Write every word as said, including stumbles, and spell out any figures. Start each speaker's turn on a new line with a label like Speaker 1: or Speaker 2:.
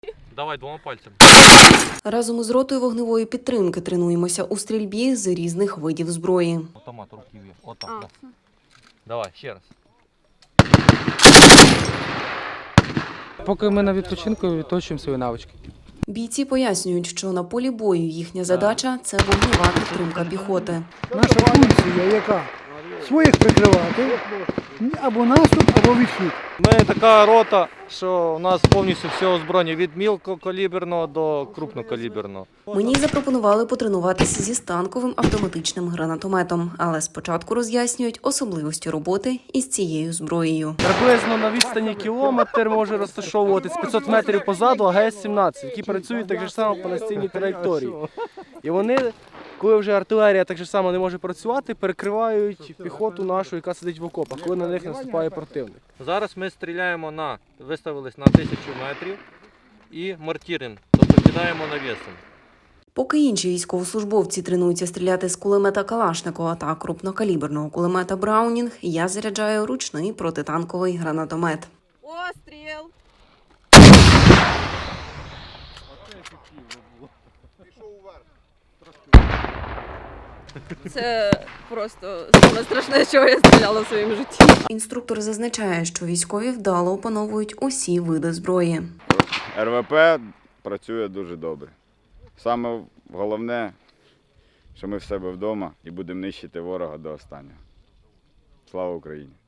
Speaker 1: Давай двома пальцями.
Speaker 2: Разом із ротою вогневої підтримки тренуємося у стрільбі з різних видів зброї.
Speaker 1: Автомат руки вверх. Отак, да. Давай, ще раз.
Speaker 3: Поки ми на відпочинку, відточуємо свої навички.
Speaker 2: Бійці пояснюють, що на полі бою їхня задача – це вогнева підтримка піхоти.
Speaker 4: Наша функція яка? Своїх прикривати, або наступ, або відхід.
Speaker 1: Ми така рота, що у нас повністю все озброєння від мілкокаліберного до крупнокаліберного.
Speaker 2: Мені запропонували потренуватися зі станковим автоматичним гранатометом, але спочатку роз'яснюють особливості роботи із цією зброєю.
Speaker 3: Приблизно на відстані кілометр може розташовуватись п'ятсот метрів позаду А Г С сімнадцять, які працюють так же само по настільній траєкторії. І вони, коли вже артилерія так же само не може працювати, перекривають піхоту нашу, яка сидить в окопах, коли на них наступає противник.
Speaker 1: Зараз ми стріляємо на, виставились на тисячу метрів і мортіринг, тобто кидаємо навісом.
Speaker 2: Поки інші військовослужбовці тренуються стріляти з кулемета Калашникова та крупнокаліберного кулемета Браунінг, я заряджаю ручний протитанковий гранатомет.
Speaker 5: Постріл! Це просто саме страшне, чого я стріляла в своєму житті.
Speaker 2: Інструктор зазначає, що військові вдало опановують усі види зброї.
Speaker 6: Р В П працює дуже добре. Саме головне, що ми в себе вдома і будемо нищити ворога до останнього. Слава Україні!